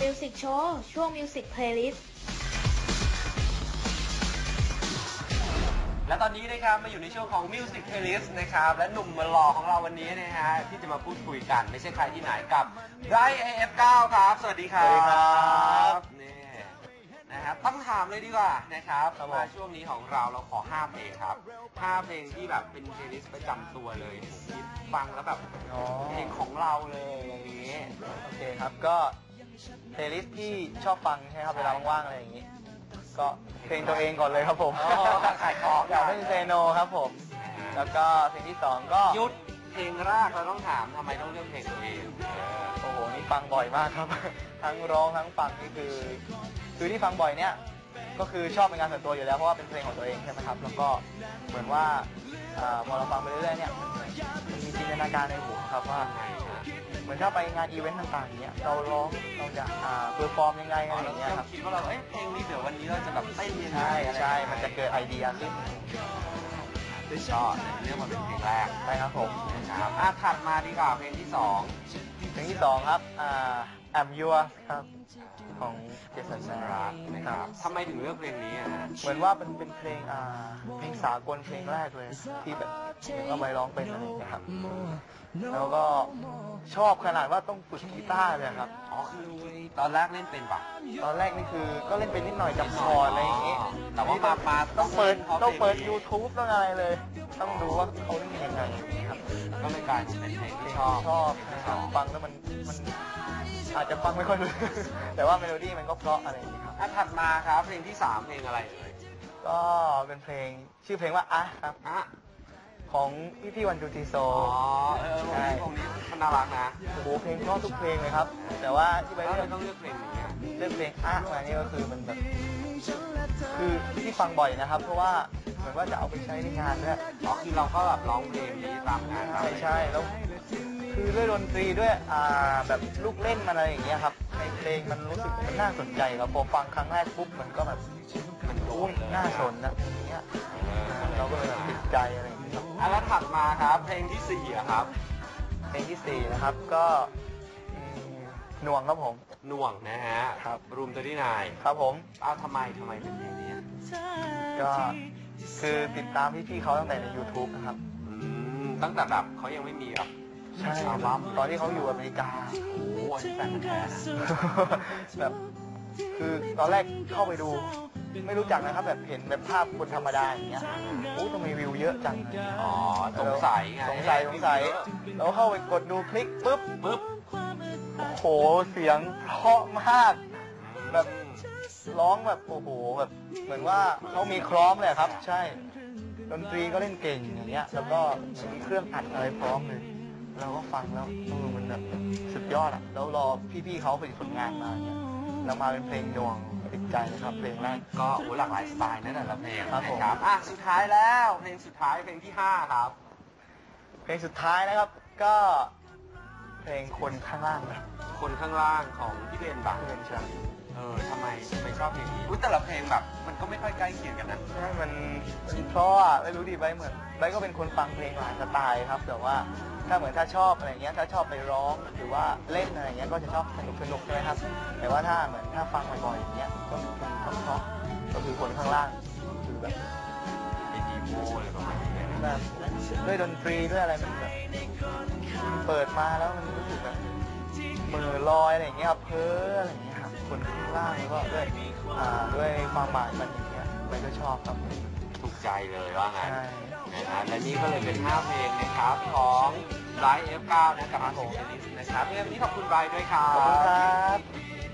Music Show ช่วง Music Playlist และตอนนี้นะครับมาอยู่ในช่วงของ Music Playlist นะครับและหนุ่มหล่อของเราวันนี้นะฮะที่จะมาพูดคุยกันไม่ใช่ใครที่ไหนกับไบรท์ AF9 ครับสวัสดีครับสวัสดีครับนี่นะครับต้องถามเลยดีกว่านะครับมาช่วงนี้ของเราขอ5เพลงครับ5เพลงที่แบบเป็นเพลย์ลิสต์ประจำตัวเลยที่ฟังแล้วแบบเพลงของเราเลยอย่างนี้โอเคครับก็เพลย์ลิสต์ที่ชอบฟังใช่ไหมครับเวลาว่างๆอะไรอย่างนี้ก็เพลงตัวเองก่อนเลยครับผมขายของอยากเล่นเซโนครับผมแล้วก็เพลงที่2ก็ยุดเพลงแรกเราต้องถามทำไมต้องเลือกเพลงตัวเองโอ้โหนี่ฟังบ่อยมากครับ ทั้งร้องทั้งฟังนี่คือที่ฟังบ่อยเนี่ยก็คือชอบเป็นงานส่วนตัวอยู่แล้วเพราะว่าเป็นเพลงของตัวเองใช่ไหมครับแล้วก็เหมือนว่าพอเราฟังไปเรื่อยๆเนี่ยมันมีจินตนาการในหัวครับว่าเหมือนถ้าไปงานอีเวนต์ต่างๆอย่างเงี้ยเราร้องเราจะเพอร์ฟอร์มยังไงอะไรอย่างเงี้ยครับคิดว่าเราเพลงนี้เดี๋ยววันนี้เราจะแบบเต้นยังไงใช่มันจะเกิดไอเดียขึ้นก็เรียกมาเป็นเพลงแรกใช่ครับผมครับถัดมาดีกว่าเพลงที่2 เพลงที่2ครับI'm Yours ครับของเจสันซารานะครับทำไมถึงเลือกเพลงนี้อ่ะเหมือนว่าเป็นเพลงสากลเพลงแรกเลยที่แบบเอาไปร้องเป็นอะไรอย่างเงี้ยครับแล้วก็ชอบขนาดว่าต้องฝึกกีตาร์เลยครับอ๋อคือตอนแรกเล่นเป็นปะตอนแรกนี่คือก็เล่นเป็นนิดหน่อยจำคอร์ดอะไรอย่างงี้แต่ว่ามาต้องเปิด YouTube ต้องอะไรเลยต้องดูว่าเขาเล่นยังไงครับก็เลยกลายเป็นเพลงที่ชอบฟังแล้วมันอาจจะฟังไม่ค่อยรู้แต่ว่าเมโลดี้มันก็เพราะอะไรอย่างนี้ครับถัดมาครับเพลงที่3เพลงอะไรเอ่ยก็เป็นเพลงชื่อเพลงว่าครับของพี่วันจูจีโซใช่เพลงนี้มันน่ารักนะโอ้โหเพลงเพราะทุกเพลงเลยครับแต่ว่าที่ไปต้องเลือกเพลงนี้เลือกเพลงมานี่ก็คือมันแบบคือที่ฟังบ่อยนะครับเพราะว่าเหมือนว่าจะเอาไปใช้ในงานด้วยคือเราก็แบบร้องเพลงนี้ตามงานใช่แล้วคือด้วยดนตรีด้วยแบบลูกเล่นมันอะไรอย่างเงี้ยครับในเพลงมันรู้สึกมันน่าสนใจครับพอฟังครั้งแรกปุ๊บมันก็แบบมันโดนน่าสนนะอย่างเงี้ยเราก็เลยแบบติดใจอะไรอย่างเงี้ยแล้วถัดมาครับเพลงที่4ครับเพลงที่4นะครับก็หน่วงครับผมหน่วงนะฮะครับรูม39 ครับผมทำไมเป็นเพลงนี้ก็คือติดตามพี่ๆเขาตั้งแต่ใน YouTube นะครับตั้งแต่แบบเขายังไม่มีแบบใช่ตอนที่เขาอยู่อเมริกาโอ้โหแฟนแท้แบบคือตอนแรกเข้าไปดูไม่รู้จักนะครับแบบเห็นแบบภาพคนธรรมดาอย่างเงี้ยโอ้ทำไมวิวเยอะจังสงสัยแล้วเข้าไปกดดูคลิกปุ๊บโอ้โหเสียงเพราะมากแบบร้องแบบโอ้โหแบบเหมือนว่าเขามีคล้องเลยครับใช่ดนตรีก็เล่นเก่งอย่างเงี้ยแล้วก็มีเครื่องอัดอะไรพร้อมเลยเราก็ฟังแล้วมันแบบสุดยอดอ่ะแล้วรอพี่ๆเขาผลิตผลงานมาเนี่ยแล้วมาเป็นเพลงดวงติดใจนะครับเพลงแรกก็หลากหลายสไตล์นั่นแหละเพลงครับสุดท้ายแล้วเพลงสุดท้ายเพลงที่5ครับเพลงสุดท้ายนะครับก็เพลงคนข้างล่างคนข้างล่างของพี่เบนบักใช่ทำไมชอบเพลงนี้แต่ละเพลงแบบมันก็ไม่ค่อยใกล้เคียงกันนะใช่มันเพราะไม่รู้ดิใบเหมือนใบก็เป็นคนฟังเพลงหลายสไตล์ครับแต่ว่าถ้าชอบอะไรเงี้ยถ้าชอบไปร้องหรือว่าเล่นอะไรเงี้ยก็จะชอบสนุกใช่ไหมครับแต่ว่าถ้าฟังบ่อยๆอย่างเงี้ยก็เพราะก็คือคนข้างล่างคือแบบไอดีโมอะไรประมาณนี้แบบด้วยดนตรีด้วยอะไรมันแบบเปิดมาแล้วมันรู้สึกแบบมือลอยอะไรอย่างเงี้ยครับเพ้ออะไรอย่างเงี้ยครับคนข้างล่างแล้วก็ด้วยความหมายมันอย่างเงี้ยใบก็ชอบครับถูกใจเลยว่างั้นและนี่ก็เลยเป็น5เพลงนะครับของไบรท์ F9 นะกับอาร์ตนะครับวันนี้ขอบคุณไบรท์ด้วยครับขอบคุณครับ